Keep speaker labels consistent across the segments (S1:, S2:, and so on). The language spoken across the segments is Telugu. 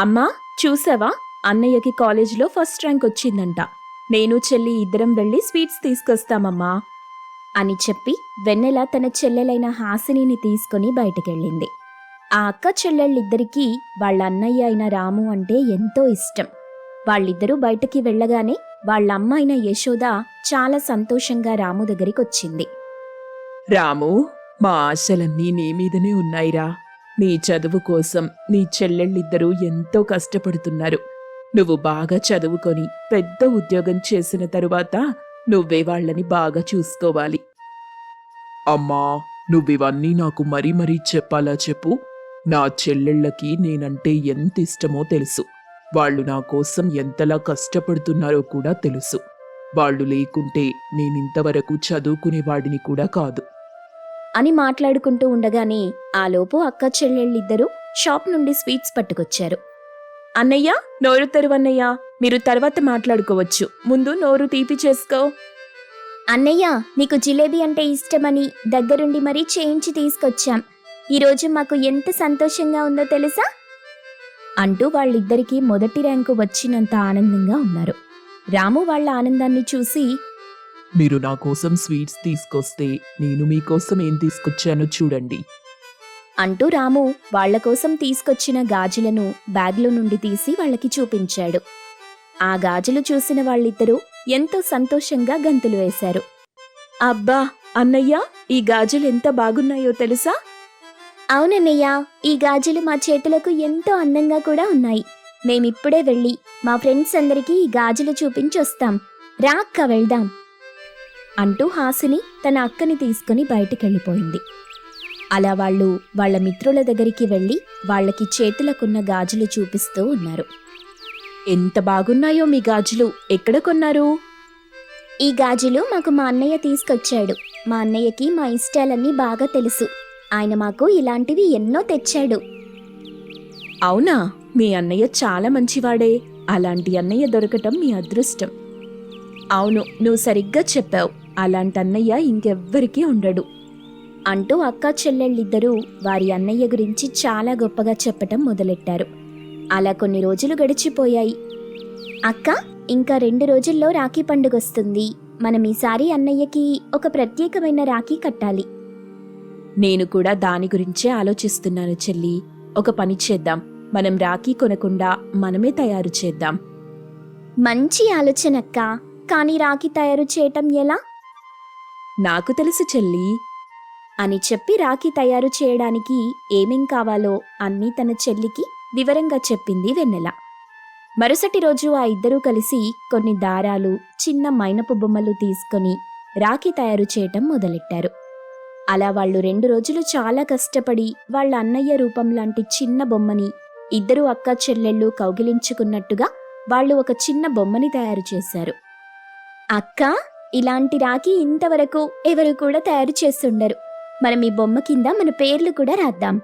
S1: అమ్మా, చూసావా? అన్నయ్యకి కాలేజీలో ఫస్ట్ ర్యాంక్ వచ్చిందంట. నేను చెల్లి ఇద్దరం వెళ్ళి స్వీట్స్ తీసుకొస్తామమ్మా అని చెప్పి వెన్నెల తన చెల్లెలైన హాసినిని తీసుకుని బయటికెళ్ళింది. ఆ అక్క చెల్లెళ్ళిద్దరికీ వాళ్ళ అన్నయ్య అయిన రాము అంటే ఎంతో ఇష్టం. వాళ్ళిద్దరూ బయటికి వెళ్ళగానే వాళ్ళ అమ్మ అయిన యశోద చాలా సంతోషంగా రాము దగ్గరికొచ్చింది.
S2: రాము, మా ఆశలన్నీ నీ మీదనే ఉన్నాయిరా. నీ చదువు కోసం నీ చెల్లెళ్ళిద్దరూ ఎంతో కష్టపడుతున్నారు. నువ్వు బాగా చదువుకొని పెద్ద ఉద్యోగం చేసిన తరువాత నువ్వే వాళ్ళని బాగా చూసుకోవాలి. అమ్మా, నువ్వివన్నీ నాకు మరీ మరీ చెప్పాలా చెప్పు? నా చెల్లెళ్ళకి నేనంటే ఎంత ఇష్టమో తెలుసు. వాళ్ళు నా కోసం ఎంతలా కష్టపడుతున్నారో కూడా తెలుసు. వాళ్ళు లేకుంటే నేనింతవరకు చదువుకునేవాడిని కూడా కాదు
S1: అని మాట్లాడుకుంటూ ఉండగానే ఆలోపు అక్క చెల్లెళ్ళిద్దరూ షాప్ నుండి స్వీట్స్ పట్టుకొచ్చారు. అన్నయ్య, నోరు తెరువన్నయ్య, మీరు తర్వాత మాట్లాడుకోవచ్చు, ముందు నోరు తీపి చేసుకో.
S3: అన్నయ్య, నీకు జిలేబీ అంటే ఇష్టమని దగ్గరుండి మరీ చేయించి తీసుకొచ్చాం. ఈరోజు మాకు ఎంత సంతోషంగా ఉందో తెలుసా
S1: అంటూ వాళ్ళిద్దరికీ మొదటి ర్యాంకు వచ్చినంత ఆనందంగా ఉన్నారు. రాము వాళ్ళ ఆనందాన్ని చూసి,
S2: మీరు నా కోసం స్వీట్స్ తీసుకొస్తే నేను మీకోసం ఏం తీసుకొచ్చానో చూడండి
S1: అంటూ రాము వాళ్ల కోసం తీసుకొచ్చిన గాజులను బ్యాగ్లో నుండి తీసి వాళ్ళకి చూపించాడు. ఆ గాజులు చూసిన వాళ్ళిద్దరూ ఎంతో సంతోషంగా గంతులు వేశారు. అబ్బా అన్నయ్య, ఈ గాజులు ఎంత బాగున్నాయో తెలుసా?
S3: అవునన్నయ్య, ఈ గాజులు మా చేతులకు ఎంతో అందంగా కూడా ఉన్నాయి. మేమిప్పుడే వెళ్ళి మా ఫ్రెండ్స్ అందరికీ ఈ గాజులు చూపించొస్తాం. రా అక్క, వెళ్దాం
S1: అంటూ హాసిని తన అక్కని తీసుకుని బయటికెళ్ళిపోయింది. అలా వాళ్ళు వాళ్ళ మిత్రుల దగ్గరికి వెళ్ళి వాళ్ళకి చేతులకున్న గాజులు చూపిస్తూ ఉన్నారు. ఎంత బాగున్నాయో మీ గాజులు, ఎక్కడ కొన్నారు?
S3: ఈ గాజులు మాకు మా అన్నయ్య తీసుకొచ్చాడు. మా అన్నయ్యకి మా ఇష్టాలన్నీ బాగా తెలుసు. ఆయన మాకు ఇలాంటివి ఎన్నో తెచ్చాడు.
S1: అవునా? మీ అన్నయ్య చాలా మంచివాడే. అలాంటి అన్నయ్య దొరకటం మీ అదృష్టం. అవును, నువ్వు సరిగ్గా చెప్పావు. అలాంటి అన్నయ్య ఇంకెవ్వరికీ ఉండడు అంటూ అక్కా చెల్లెళ్ళిద్దరూ వారి అన్నయ్య గురించి చాలా గొప్పగా చెప్పటం మొదలెట్టారు. అలా కొన్ని రోజులు గడిచిపోయాయి.
S3: అక్క, ఇంకా 2 రోజుల్లో రాఖీ పండుగొస్తుంది. మనం ఈసారి అన్నయ్యకి ఒక ప్రత్యేకమైన రాఖీ కట్టాలి.
S1: నేను కూడా దాని గురించే ఆలోచిస్తున్నాను చెల్లి. ఒక పని చేద్దాం, మనం రాఖీ కొనకుండా మనమే తయారు చేద్దాం.
S3: మంచి ఆలోచనక్క. కానీ రాఖీ తయారు చేయటం ఎలా?
S1: నాకు తెలుసు చెల్లి అని చెప్పి రాఖీ తయారు చేయడానికి ఏమేం కావాలో అన్నీ తన చెల్లికి వివరంగా చెప్పింది వెన్నెల. మరుసటి రోజు ఆ ఇద్దరూ కలిసి కొన్ని దారాలు, చిన్న మైనపు బొమ్మలు తీసుకొని రాఖీ తయారు చేయటం మొదలెట్టారు. అలా వాళ్ళు 2 రోజులు చాలా కష్టపడి వాళ్ళ అన్నయ్య రూపం లాంటి చిన్న బొమ్మని ఇద్దరు అక్క చెల్లెళ్ళు కౌగిలించుకున్నట్టుగా వాళ్ళు ఒక చిన్న బొమ్మని తయారు చేశారు.
S3: అక్క, ఇలాంటి రాఖీ ఇంతవరకు ఎవరు కూడా తయారు చేస్తుండరు. మనం ఈ బొమ్మ కింద మన పేర్లు కూడా రాద్దాం.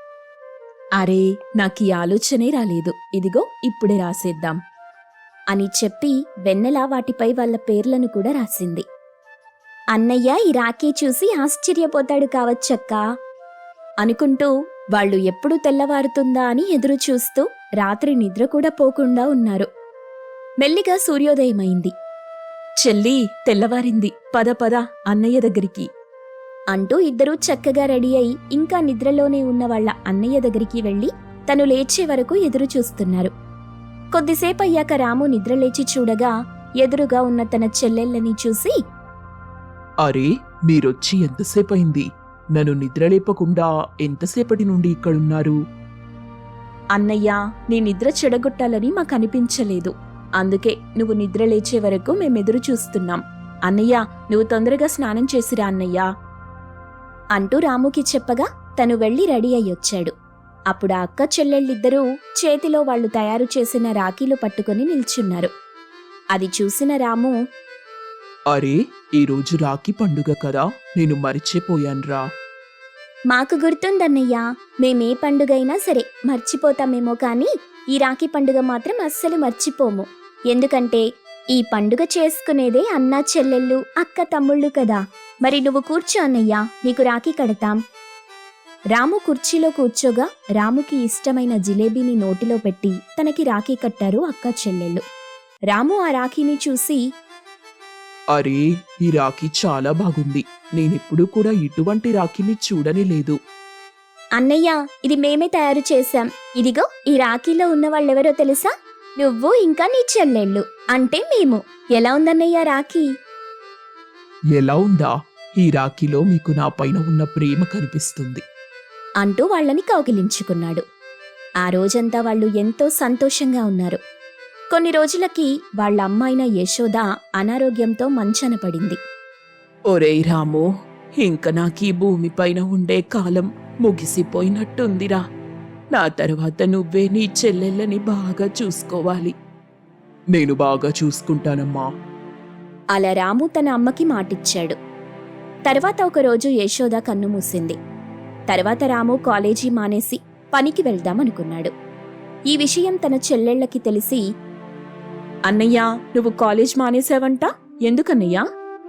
S1: అరే, నాకు ఈ ఆలోచనే రాలేదు. ఇదిగో ఇప్పుడే రాసేద్దాం అని చెప్పి వెన్నెల వాటిపై వాళ్ళ పేర్లను కూడా రాసింది.
S3: అన్నయ్య ఈ రాఖీ చూసి ఆశ్చర్యపోతాడు కావచ్చక్కా
S1: అనుకుంటూ వాళ్ళు ఎప్పుడు తెల్లవారుతుందా అని ఎదురు చూస్తూ రాత్రి నిద్ర కూడా పోకుండా ఉన్నారు. మెల్లిగా సూర్యోదయమైంది. చెల్లి, తెల్లవారింది, పద పద అన్నయ్య దగ్గరికి అంటూ ఇద్దరూ చక్కగా రెడీ అయి ఇంకా నిద్రలోనే ఉన్న వాళ్ళ అన్నయ్య దగ్గరికి వెళ్లి తను లేచే వరకు ఎదురు చూస్తున్నారు. కొద్దిసేపయ్యాక రాము నిద్రలేచి చూడగా ఎదురుగా ఉన్న తన చెల్లెళ్ళని చూసి,
S2: అరే, మీరొచ్చి ఎంతసేపయింది? నన్ను నిద్రలేపకుండా ఎంతసేపటి నుండి ఇక్కడున్నారు?
S1: అన్నయ్య, నీ నిద్ర చెడగొట్టాలని మాకనిపించలేదు. అందుకే నువ్వు నిద్రలేచే వరకు మేమెదురు చూస్తున్నాం. అన్నయ్య, నువ్వు తొందరగా స్నానం చేసిరా అన్నయ్య అంటూ రాముకి చెప్పగా తను వెళ్లి రెడీ అయ్యొచ్చాడు. అప్పుడు ఆ అక్క చెల్లెళ్ళిద్దరూ చేతిలో వాళ్లు తయారు చేసిన రాఖీలు పట్టుకుని నిల్చున్నారు. అది చూసిన రాము,
S2: అరే, ఈరోజు రాఖీ పండుగ కదా, నేను మరిచిపోయాన్రా.
S3: మాకు గుర్తుందన్నయ్యా. మేమే పండుగైనా సరే మర్చిపోతామేమో కానీ ఈ రాఖీ పండుగ మాత్రం అస్సలు మర్చిపోము. ఎందుకంటే ఈ పండుగ చేసుకునేదే అన్నా చెల్లెళ్ళు, అక్క తమ్ముళ్ళు కదా. మరి నువ్వు కూర్చో అన్నయ్యా, నీకు రాఖీ కడతాం.
S1: రాము కుర్చీలో కూర్చోగా రాముకి ఇష్టమైన జిలేబీని నోటిలో పెట్టి తనకి రాఖీ కట్టారు అక్క చెల్లెళ్ళు. రాము ఆ రాఖీని చూసి,
S2: అరే, ఈ రాఖీ చాలా బాగుంది. నేనెప్పుడూ కూడా ఇటువంటి రాఖీని చూడనే లేదు.
S3: అన్నయ్య, ఇది మేమే తయారు చేశాం. ఇదిగో ఈ రాఖీలో ఉన్న వాళ్ళెవరో తెలుసా? నువ్వు ఇంకా నీ చెల్లెళ్ళు, అంటే మేము. ఎలా ఉందన్నయ్య రాఖీ?
S2: ఎలా ఉందా? ఈ రాఖీలో మీకు నా పైన ఉన్న ప్రేమ కనిపిస్తుంది.
S1: అంటూ వాళ్ళని కౌగిలించుకున్నాడు. ఆ రోజంతా వాళ్ళు ఎంతో సంతోషంగా ఉన్నారు. కొన్ని రోజులకి వాళ్ళ అమ్మాయిన యశోద అనారోగ్యంతో మంచాన పడింది.
S2: ఒరేయ్ రాము, ఇంక నాకీ భూమిపైన ఉండే కాలం ముగిసిపోయినట్టుందిరా. నా తర్వాత నువ్వే నీ చెల్లెళ్ళని బాగా చూసుకోవాలి. నేను బాగా చూసుకుంటానమ్మా.
S1: అలా రాము తన అమ్మకి మాటిచ్చాడు. తర్వాత ఒకరోజు యశోద కన్ను మూసింది. తర్వాత రాము కాలేజీ మానేసి పనికి వెళ్దామనుకున్నాడు. ఈ విషయం తన చెల్లెళ్ళకి తెలిసి, అన్నయ్యా, నువ్వు కాలేజ్ మానేశావంట, ఎందుకన్నయ్యా?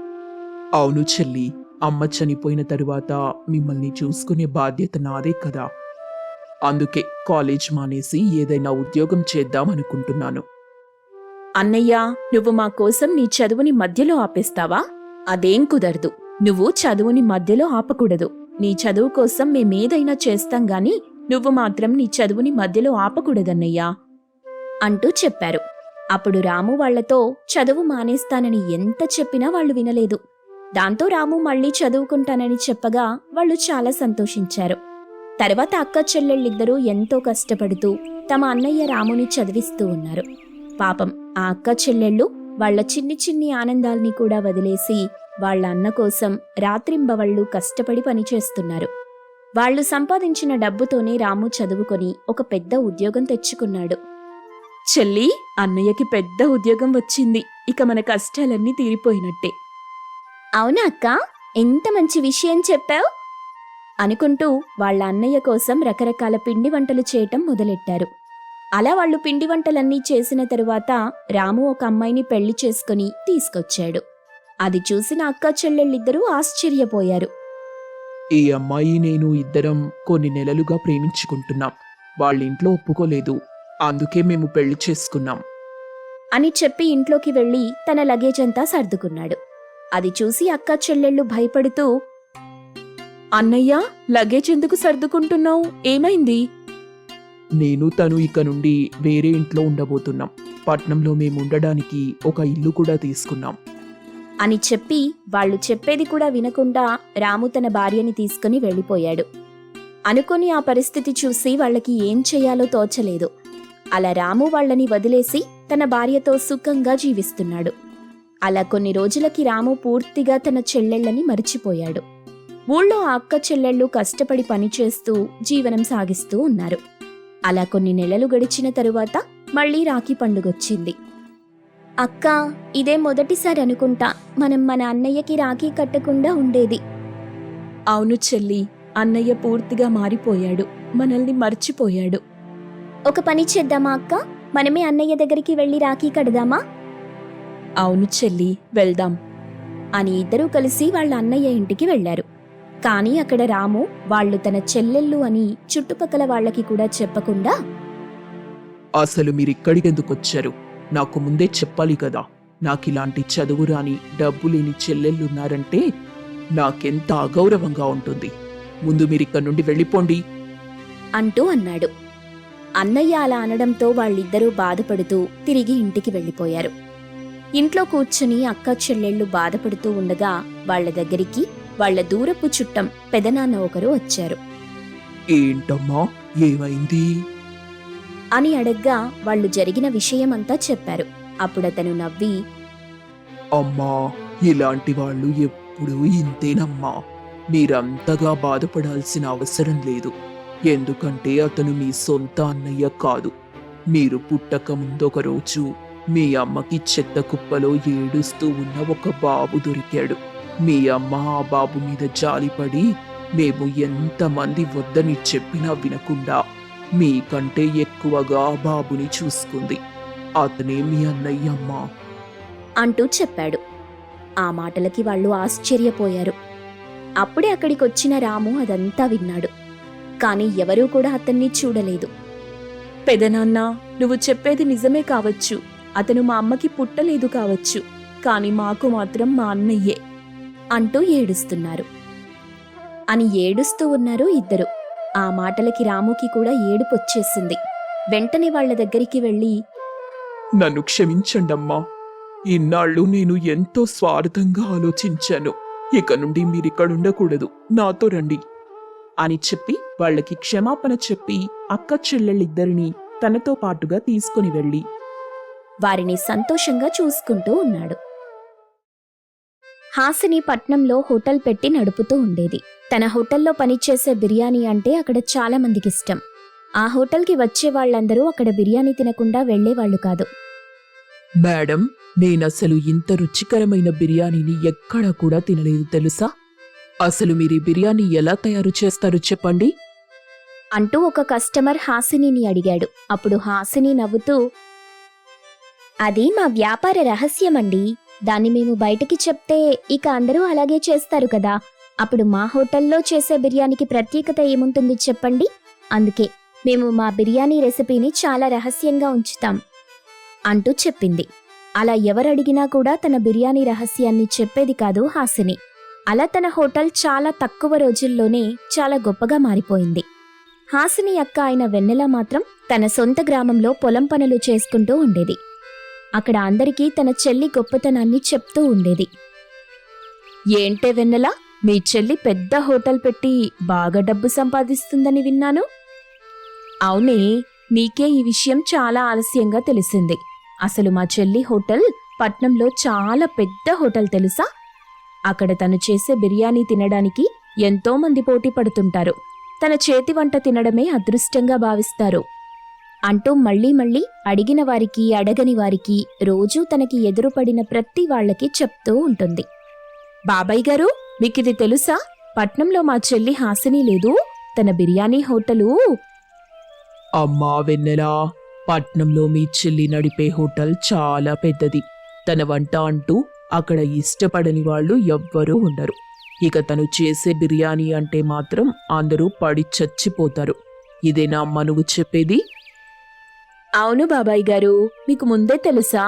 S2: అవును చెల్లి, అమ్మ చనిపోయిన తరువాత మిమ్మల్ని చూసుకునే బాధ్యత నాదే కదా. అందుకే కాలేజ్ మానేసి ఏదైనా ఉద్యోగం చేద్దామనుకుంటున్నాను.
S1: అన్నయ్యా, నువ్వు మా కోసం నీ చదువుని మధ్యలో ఆపేస్తావా? అదేం కుదరదు. నువ్వు చదువుని మధ్యలో ఆపకూడదు. నీ చదువు కోసం మేమేదైనా చేస్తాం గాని నువ్వు మాత్రం నీ చదువుని మధ్యలో ఆపకూడదన్నయ్యా అంటూ చెప్పారు. అప్పుడు రాము వాళ్లతో చదువు మానేస్తానని ఎంత చెప్పినా వాళ్ళు వినలేదు. దాంతో రాము మళ్లీ చదువుకుంటానని చెప్పగా వాళ్ళు చాలా సంతోషించారు. తర్వాత అక్క చెల్లెళ్ళిద్దరూ ఎంతో కష్టపడుతూ తమ అన్నయ్య రాముని చదివిస్తూ ఉన్నారు. పాపం ఆ అక్క చెల్లెళ్ళు వాళ్ల చిన్ని చిన్ని ఆనందాల్ని కూడా వదిలేసి వాళ్ల అన్న కోసం రాత్రింబవళ్లు కష్టపడి పనిచేస్తున్నారు. వాళ్లు సంపాదించిన డబ్బుతోనే రాము చదువుకొని ఒక పెద్ద ఉద్యోగం తెచ్చుకున్నాడు. చెల్లి, అన్నయ్యకి పెద్ద ఉద్యోగం వచ్చింది. ఇక మన కష్టాలన్నీ తీరిపోయినట్టే.
S3: అవునా అక్క, ఎంత మంచి విషయం చెప్పావు
S1: అనుకుంటూ వాళ్ళ అన్నయ్య కోసం రకరకాల పిండి వంటలు చేయటం మొదలెట్టారు. అలా వాళ్ళు పిండి వంటలన్నీ చేసిన తరువాత రాము ఒక అమ్మాయిని పెళ్లి చేసుకుని తీసుకొచ్చాడు. అది చూసిన అక్క చెల్లెళ్ళిద్దరూ ఆశ్చర్యపోయారు.
S2: ఈ అమ్మాయి నేను ఇద్దరం కొన్ని నెలలుగా ప్రేమించుకుంటున్నాం. వాళ్ళింట్లో ఒప్పుకోలేదు. అందుకే మేము పెళ్లి చేసుకున్నాం
S1: అని చెప్పి ఇంట్లోకి వెళ్లి తన లగేజ్ అంతా సర్దుకున్నాడు. అది చూసి అక్క చెల్లెళ్ళు భయపడుతూ, అన్నయ్య, లగేజ్ ఎందుకు సర్దుకుంటున్నావు? ఏమైంది?
S2: నేను తను ఇక నుండి వేరే ఇంట్లో ఉండబోతున్నాం. పట్నంలో మేముండడానికి ఒక ఇల్లు కూడా తీసుకున్నాం
S1: అని చెప్పి వాళ్ళు చెప్పేది కూడా వినకుండా రాము తన భార్యని తీసుకుని వెళ్ళిపోయాడు. అనుకొని ఆ పరిస్థితి చూసి వాళ్ళకి ఏం చెయ్యాలో తోచలేదు. అలా రాము వాళ్ళని వదిలేసి తన భార్యతో సుఖంగా జీవిస్తున్నాడు. అలా కొన్ని రోజులకి రాము పూర్తిగా తన చెల్లెళ్ళని మరిచిపోయాడు. ఊళ్ళో ఆ అక్క చెల్లెళ్ళు కష్టపడి పనిచేస్తూ జీవనం సాగిస్తూ ఉన్నారు. అలా కొన్ని నెలలు గడిచిన తరువాత మళ్లీ రాఖీ పండుగొచ్చింది.
S3: అక్క, ఇదే మొదటిసారి అనుకుంటా మనం మన అన్నయ్యకి రాఖీ కట్టకుండా ఉండేది.
S1: అవును చెల్లి, అన్నయ్య పూర్తిగా మారిపోయాడు. మనల్ని మర్చిపోయాడు.
S3: ఒక పని చేద్దామా అక్క, మనమే అన్నయ్య దగ్గరికి వెళ్లి రాఖీ కడదామా?
S1: అవును చెల్లి, వెళ్దాం అని ఇద్దరూ కలిసి వాళ్ళ అన్నయ్య ఇంటికి వెళ్లారు. కాని అక్కడ రాము వాళ్ళు తన చెల్లెళ్ళు అని చుట్టుపక్కల వాళ్ళకి కూడా చెప్పకుండా,
S2: అసలు మీరిక్కడికెందుకొచ్చారు? నాకు ముందే చెప్పాలి కదా. నాకిలాంటి చదువు రాని డబ్బు లేని చెల్లెళ్ళున్నారంటే నాకెంత అగౌరవంగా ఉంటుంది. ముందు మీరిక్కడి నుండి వెళ్ళిపోండి
S1: అంటూ అన్నాడు. అన్నయ్య అలా అనడంతో వాళ్ళిద్దరూ బాధపడుతూ తిరిగి ఇంటికి వెళ్ళిపోయారు. ఇంట్లో కూర్చుని అక్క చెల్లెళ్ళు బాధపడుతూ ఉండగా వాళ్ల దగ్గరికి వాళ్ల దూరపు చుట్టం పెదనాన్న ఒకరు వచ్చారు.
S2: ఏంటమ్మా, ఏమైంది
S1: అని అడగ్గా వాళ్ళు జరిగిన విషయమంతా చెప్పారు. అప్పుడతను నవ్వి,
S2: అమ్మా, ఇలాంటి వాళ్ళు ఎప్పుడూ ఇంతేనమ్మా. మీరంతగా బాధపడాల్సిన అవసరం లేదు. ఎందుకంటే అతను మీ సొంత అన్నయ్య కాదు. మీరు పుట్టక ముందొక రోజు మీ అమ్మకి చెత్త కుప్పలో ఏడుస్తూ ఉన్న ఒక బాబు దొరికాడు. మీ అమ్మ ఆ బాబు మీద జాలిపడి మేము ఎంతమంది వద్దని చెప్పినా వినకుండా మీకంటే ఎక్కువగా ఆ బాబుని చూసుకుంది. అతనే మీ అన్నయ్యమ్మా
S1: అంటూ చెప్పాడు. ఆ మాటలకి వాళ్ళు ఆశ్చర్యపోయారు. అప్పుడే అక్కడికొచ్చిన రాము అదంతా విన్నాడు. కాని ఎవరూ కూడా అతన్ని చూడలేదు. పెదనాన్న, నువ్వు చెప్పేది నిజమే కావచ్చు. అతను మా అమ్మకి పుట్టలేదు కావచ్చు, కాని మాకు మాత్రం మా అన్నయ్యే అంటూ ఏడుస్తున్నారు. అని ఏడుస్తూ ఉన్నారు ఇద్దరు. ఆ మాటలకి రాముకి కూడా ఏడుపొచ్చేసింది. వెంటనే వాళ్ళ దగ్గరికి వెళ్ళి,
S2: నన్ను క్షమించండమ్మా. ఇన్నాళ్ళు నేను ఎంతో స్వార్థంగా ఆలోచించాను. ఇక నుండి మీరిక్కడుండకూడదు, నాతో రండి అని చెప్పి వాళ్ళకి క్షమాపణ చెప్పి అక్క చెల్లెళ్ళిద్దరినీ తనతో పాటుగా తీసుకుని వెళ్ళి
S1: వారిని సంతోషంగా చూసుకుంటూ ఉన్నాడు. హాసిని పట్నంలో హోటల్ పెట్టి నడుపుతూ ఉండేది. తన హోటల్లో పనిచేసే బిర్యానీ అంటే అక్కడ చాలా మందికిష్టం. ఆ హోటల్కి వచ్చే వాళ్ళందరూ అక్కడ బిర్యానీ తినకుండా వెళ్లేవాళ్లు కాదు.
S2: మేడం, నేనసలు ఇంత రుచికరమైన బిర్యానీని ఎక్కడా కూడా తినలేదు తెలుసా? అసలు మీరు ఈ బిర్యానీ ఎలా తయారు చేస్తారు చెప్పండి
S1: అంటూ ఒక కస్టమర్ హాసినిని అడిగాడు. అప్పుడు హాసిని నవ్వుతూ, అది మా వ్యాపార రహస్యమండి. దాన్ని మేము బయటికి చెప్తే ఇక అందరూ అలాగే చేస్తారు కదా. అప్పుడు మా హోటల్లో చేసే బిర్యానీకి ప్రత్యేకత ఏముంటుంది చెప్పండి. అందుకే మేము మా బిర్యానీ రెసిపీని చాలా రహస్యంగా ఉంచుతాం అంటూ చెప్పింది. అలా ఎవరడిగినా కూడా తన బిర్యానీ రహస్యాన్ని చెప్పేది కాదు హాసిని. అలా తన హోటల్ చాలా తక్కువ రోజుల్లోనే చాలా గొప్పగా మారిపోయింది. హాసిని అక్క అయిన వెన్నెల మాత్రం తన సొంత గ్రామంలో పొలం పనులు చేసుకుంటూ ఉండేది. అక్కడ అందరికీ తన చెల్లి గొప్పతనాన్ని చెప్తూ ఉండేది. ఏంటే వెన్నెల, మీ చెల్లి పెద్ద హోటల్ పెట్టి బాగా డబ్బు సంపాదిస్తుందని విన్నాను. అవునే, నీకే ఈ విషయం చాలా ఆలస్యంగా తెలిసింది. అసలు మా చెల్లి హోటల్ పట్నంలో చాలా పెద్ద హోటల్ తెలుసా. అక్కడ తను చేసే బిర్యానీ తినడానికి ఎంతో మంది పోటీ పడుతుంటారు. తన చేతి వంట తినడమే అదృష్టంగా భావిస్తారు అంటూ మళ్లీ మళ్లీ అడిగిన వారికి అడగని వారికి రోజూ తనకి ఎదురుపడిన ప్రతి వాళ్లకి చెప్తూ ఉంటుంది. బాబాయ్ గారు, మీకిది తెలుసా? పట్నంలో మా చెల్లి హాసిని లేదు, తన బిర్యానీ హోటలు.
S2: అమ్మా వెన్నెలా, పట్నంలో మీ చెల్లి నడిపే హోటల్ చాలా పెద్దది. తన వంట అంటూ అక్కడ ఇష్టపడని వాళ్ళు ఎవ్వరూ ఉండరు. ఇక తను చేసే బిర్యానీ అంటే మాత్రం అందరూ పడి చచ్చిపోతారు. ఇదేనా అమ్మ నువ్వు చెప్పేది?
S1: అవును బాబాయ్ గారు, మీకు ముందే తెలుసా?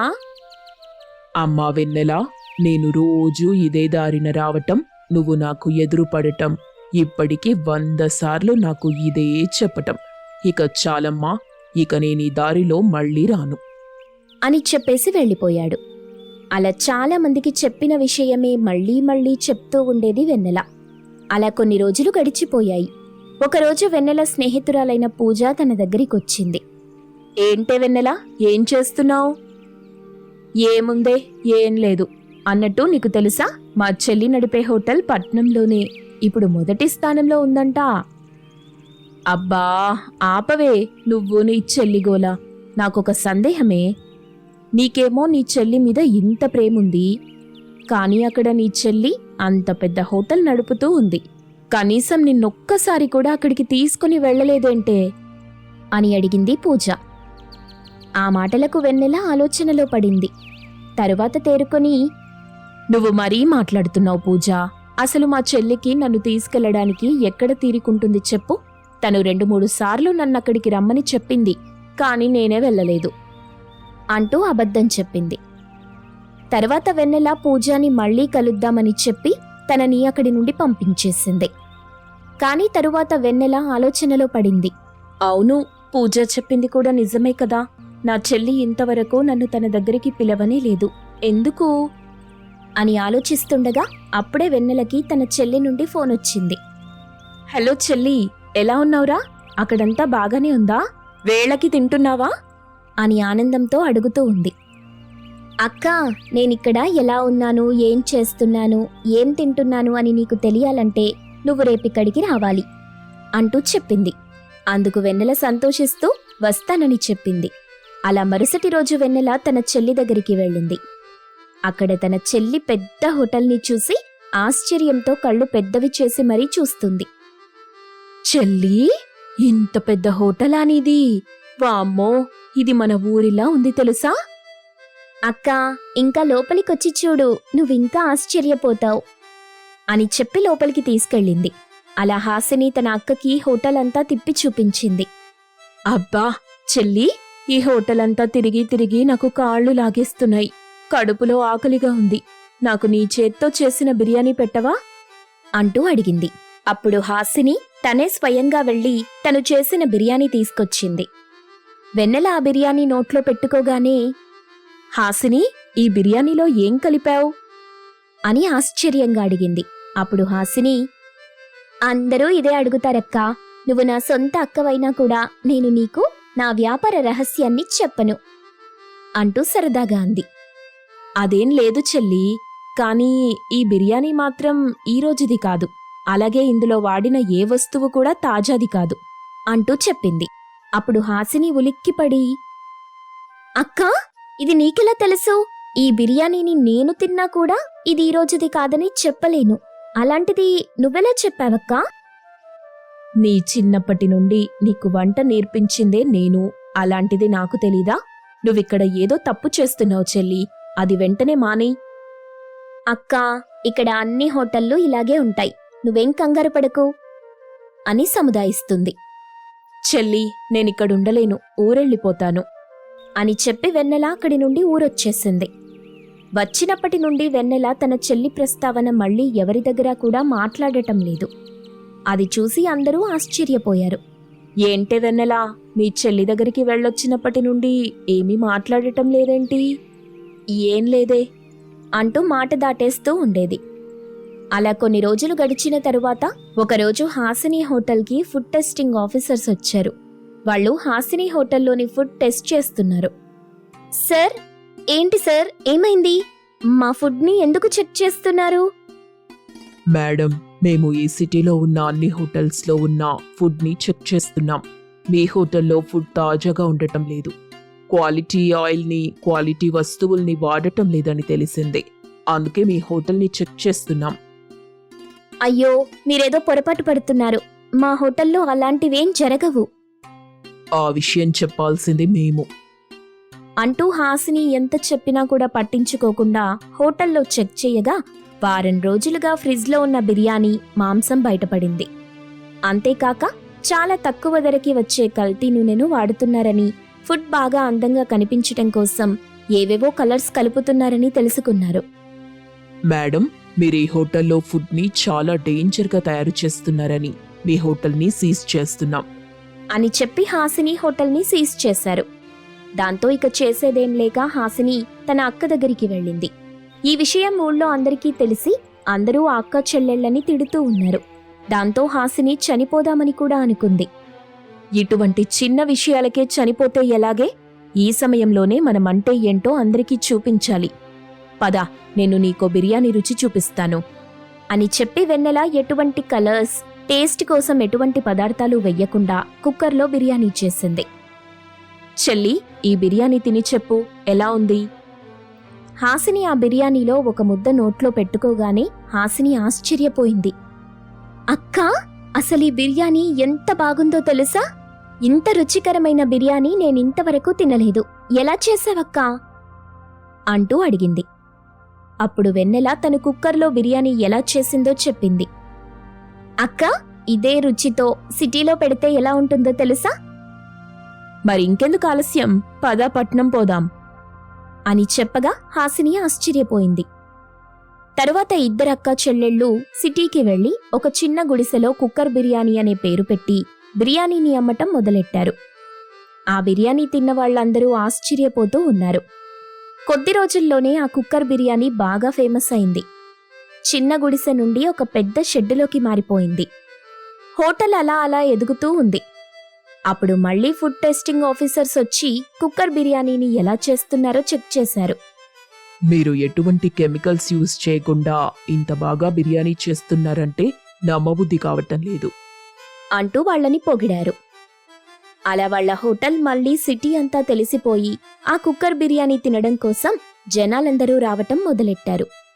S2: అమ్మా వెన్నెలా, నేను రోజూ ఇదే దారిన రావటం, నువ్వు నాకు ఎదురుపడటం, ఇప్పటికి 100 సార్లు నాకు ఇదే చెప్పటం. ఇక చాలమ్మా, ఇక నేను ఈ దారిలో మళ్ళీ రాను
S1: అని చెప్పేసి వెళ్ళిపోయాడు. అలా చాలా మందికి చెప్పిన విషయమే మళ్లీ మళ్లీ చెప్తూ ఉండేది వెన్నెల. అలా కొన్ని రోజులు గడిచిపోయాయి. ఒకరోజు వెన్నెల స్నేహితురాలైన పూజ తన దగ్గరికొచ్చింది. ఏంటే వెన్నెల, ఏం చేస్తున్నావు? ఏముందే, ఏం లేదు. అన్నట్టు నీకు తెలుసా, మా చెల్లి నడిపే హోటల్ పట్నంలోనే ఇప్పుడు మొదటి స్థానంలో ఉందంట. అబ్బా ఆపవే, నువ్వు నీ చెల్లిగోలా. నాకొక సందేహమే. నీకేమో నీ చెల్లి మీద ఇంత ప్రేముంది, కానీ అక్కడ నీ చెల్లి అంత పెద్ద హోటల్ నడుపుతూ ఉంది. కనీసం నిన్నొక్కసారి కూడా అక్కడికి తీసుకుని వెళ్ళలేదేంటే అని అడిగింది పూజ. ఆ మాటలకు వెన్నెల ఆలోచనలో పడింది. తరువాత తేరుకొని, నువ్వు మరీ మాట్లాడుతున్నావు పూజ. అసలు మా చెల్లికి నన్ను తీసుకెళ్లడానికి ఎక్కడ తీరికుంటుంది చెప్పు. తను 2-3 సార్లు నన్నక్కడికి రమ్మని చెప్పింది, కాని నేనే వెళ్ళలేదు అంటూ అబద్ధం చెప్పింది. తర్వాత వెన్నెల పూజాని మళ్లీ కలుద్దామని చెప్పి తనని అక్కడి నుండి పంపించేసింది. కాని తరువాత వెన్నెల ఆలోచనలో పడింది. అవును, పూజ చెప్పింది కూడా నిజమే కదా. నా చెల్లి ఇంతవరకు నన్ను తన దగ్గరికి పిలవనే లేదు, ఎందుకు అని ఆలోచిస్తుండగా అప్పుడే వెన్నెలకి తన చెల్లి నుండి ఫోన్ వచ్చింది. హలో చెల్లి, ఎలా ఉన్నావురా? అక్కడంతా బాగానే ఉందా? వేళకి తింటున్నావా అని ఆనందంతో అడుగుతూ ఉంది. అక్క, నేనిక్కడ ఎలా ఉన్నాను, ఏం చేస్తున్నాను, ఏం తింటున్నాను అని నీకు తెలియాలంటే నువ్వు రేపిక్కడికి రావాలి అంటూ చెప్పింది. అందుకు వెన్నెల సంతోషిస్తూ వస్తానని చెప్పింది. అలా మరుసటి రోజు వెన్నెల తన చెల్లి దగ్గరికి వెళ్ళింది. అక్కడ తన చెల్లి పెద్ద హోటల్ని చూసి ఆశ్చర్యంతో కళ్ళు పెద్దవి చేసి మరీ చూస్తుంది. చెల్లి, ఇంత పెద్ద హోటలా నీది? వామ్మో, ఇది మన ఊరిలా ఉంది తెలుసా? అక్క, ఇంకా లోపలికొచ్చి చూడు, నువ్వింకా ఆశ్చర్యపోతావు అని చెప్పి లోపలికి తీసుకెళ్ళింది. అలా హాసిని తన అక్కకి హోటల్ అంతా తిప్పి చూపించింది. అబ్బా చెల్లి, ఈ హోటల్ అంతా తిరిగి తిరిగి నాకు కాళ్ళు లాగేస్తున్నాయి. కడుపులో ఆకలిగా ఉంది. నాకు నీ చేత్తో చేసిన బిర్యానీ పెట్టవా అంటూ అడిగింది. అప్పుడు హాసిని తనే స్వయంగా వెళ్లి తను చేసిన బిర్యానీ తీసుకొచ్చింది. వెన్నెల ఆ బిర్యానీ నోట్లో పెట్టుకోగానే, హాసిని, ఈ బిర్యానీలో ఏం కలిపావు అని ఆశ్చర్యంగా అడిగింది. అప్పుడు హాసిని,
S3: అందరూ ఇదే అడుగుతారక్కా. నువ్వు నా సొంత అక్కవైనా కూడా నేను నీకు నా వ్యాపార రహస్యాన్ని చెప్పను
S1: అంటూ సరదాగా అంది. అదేం లేదు చెల్లి, కానీ ఈ బిర్యానీ మాత్రం ఈ రోజుది కాదు, అలాగే ఇందులో వాడిన ఏ వస్తువు కూడా తాజాది కాదు అంటూ చెప్పింది. అప్పుడు హాసిని ఉలిక్కిపడి,
S3: అక్కా, ఇది నీకెలా తెలుసు? ఈ బిర్యానీని నేను తిన్నా కూడా ఇది ఈ రోజుది కాదని చెప్పలేను. అలాంటిది నువ్వెలా చెప్పావక్కా?
S1: నీ చిన్నప్పటి నుండి నీకు వంట నేర్పించిందే నేను, అలాంటిది నాకు తెలీదా? నువ్విక్కడ ఏదో తప్పు చేస్తున్నావు చెల్లి, అది వెంటనే మానేయ్.
S3: అక్కా, ఇక్కడ అన్ని హోటళ్ళు ఇలాగే ఉంటాయి. నువ్వేం కంగారు పడకు
S1: అని సముదాయిస్తుంది. చెల్లి, నేనిక్కడుండలేను, ఊరెళ్ళిపోతాను అని చెప్పి వెన్నెల అక్కడి నుండి ఊరొచ్చేసింది. వచ్చినప్పటి నుండి వెన్నెల తన చెల్లి ప్రస్తావన మళ్ళీ ఎవరి దగ్గర కూడా మాట్లాడటం లేదు. అది చూసి అందరూ ఆశ్చర్యపోయారు. ఏంటే వెన్నెల, మీ చెల్లి దగ్గరికి వెళ్ళొచ్చినప్పటి నుండి ఏమీ మాట్లాడటం లేదేంటి? ఏం లేదే అంటూ మాట దాటేస్తూ ఉండేది. అలా కొన్ని రోజులు గడిచిన తరువాత ఒకరోజు హాసిని హోటల్కి ఫుడ్ టెస్టింగ్ ఆఫీసర్స్ వచ్చారు. వాళ్ళు హాసిని హోటల్లోని ఫుడ్ టెస్ట్ చేస్తున్నారు.
S3: సార్, ఏంటి సార్, ఏమైంది? మా ఫుడ్ని ఎందుకు చెక్ చేస్తున్నారు?
S2: మేడం, మేము ఈ సిటీలో ఉన్న అన్ని హోటల్స్లో ఉన్న ఫుడ్ని చెక్ చేస్తున్నాం. మీ హోటల్లో ఫుడ్ తాజాగా ఉండటం లేదు. క్వాలిటీ ఆయిల్ని, క్వాలిటీ వస్తువుల్ని వాడటం లేదని తెలిసింది. అందుకే మీ హోటల్ని చెక్ చేస్తున్నాం.
S3: అయ్యో, మీరేదో పొరపాటు పడుతున్నారు. మా హోటల్లో అలాంటివేం జరగవు
S2: ఆ విషయం చెప్పాల్సింది మేము
S1: అంటూ హాసిని ఎంత చెప్పినా కూడా పట్టించుకోకుండా హోటల్లో చెక్ చేయగా వారం రోజులుగా ఫ్రిడ్జ్లో ఉన్న బిర్యానీ మాంసం బయటపడింది. అంతేకాక చాలా తక్కువ ధరకి వచ్చే కల్తీ నూనెను వాడుతున్నారని, ఫుడ్ బాగా అందంగా కనిపించటం కోసం ఏవేవో కలర్స్ కలుపుతున్నారని తెలుసుకున్నారు.
S2: మేడం, మీరు ఈ హోటల్లో ఫుడ్ని చాలా డేంజర్గా తయారు చేస్తున్నారని మీ హోటల్ని సీజ్ చేస్తున్నాం
S1: అని చెప్పి హాసిని హోటల్ని సీజ్ చేశారు. దాంతో ఇక చేసేదేం లేక హాసిని తన అక్క దగ్గరికి వెళ్ళింది. ఈ విషయం ఊళ్ళో అందరికీ తెలిసి అందరూ ఆ అక్క చెల్లెళ్ళని తిడుతూ ఉన్నారు. దాంతో హాసిని చనిపోదామని కూడా అనుకుంది. ఇటువంటి చిన్న విషయాలకే చనిపోతే ఎలాగే? ఈ సమయంలోనే మనమంటే ఏంటో అందరికీ చూపించాలి. పద, నేను నీకో బిర్యానీ రుచి చూపిస్తాను అని చెప్పి వెన్నెల ఎటువంటి కలర్స్, టేస్ట్ కోసం ఎటువంటి పదార్థాలు వెయ్యకుండా కుక్కర్లో బిర్యానీ చేసింది. చెల్లి, ఈ బిర్యానీ తిని చెప్పు, ఎలా ఉంది? హాసిని ఆ బిర్యానీలో ఒక ముద్ద నోట్లో పెట్టుకోగానే హాసిని ఆశ్చర్యపోయింది.
S3: అక్కా, అసలు ఈ బిర్యానీ ఎంత బాగుందో తెలుసా? ఇంత రుచికరమైన బిర్యానీ నేనింతవరకు తినలేదు. ఎలా చేసావక్కా
S1: అంటూ అడిగింది. అప్పుడు వెన్నెల తను కుక్కర్లో బిర్యానీ ఎలా చేసిందో చెప్పింది.
S3: అక్క, ఇదే రుచితో సిటీలో పెడితే ఎలా ఉంటుందో తెలుసా?
S1: మరింకెందుకు ఆలస్యం, పద పట్నం పోదాం అని చెప్పగా హాసిని ఆశ్చర్యపోయింది. తరువాత ఇద్దరక్క చెల్లెళ్ళు సిటీకి వెళ్లి ఒక చిన్న గుడిసెలో కుక్కర్ బిర్యానీ అనే పేరు పెట్టి బిర్యానీని అమ్మటం మొదలెట్టారు. ఆ బిర్యానీ తిన్న వాళ్ళందరూ ఆశ్చర్యపోతూ ఉన్నారు. కొద్ది రోజుల్లోనే ఆ కుక్కర్ బిర్యానీ బాగా ఫేమస్ అయింది. చిన్న గుడిసె నుండి ఒక పెద్ద షెడ్డులోకి మారిపోయింది. హోటల్ అలా అలా ఎదుగుతూ ఉంది. అప్పుడు మళ్లీ ఫుడ్ టెస్టింగ్ ఆఫీసర్స్ వచ్చి కుక్కర్ బిర్యానీని ఎలా చేస్తున్నారో చెక్ చేశారు.
S2: మీరు ఎటువంటి కెమికల్స్ యూజ్ చేయకుండా ఇంత బాగా బిర్యానీ చేస్తున్నారంటే నమ్మబుద్ధి కావటం లేదు
S1: అంటూ వాళ్ళని పొగిడారు. అలా వాళ్ళ హోటల్ మళ్లీ సిటీ అంతా తెలిసిపోయి ఆ కుక్కర్ బిర్యానీ తినడం కోసం జనాలందరూ రావటం మొదలెట్టారు.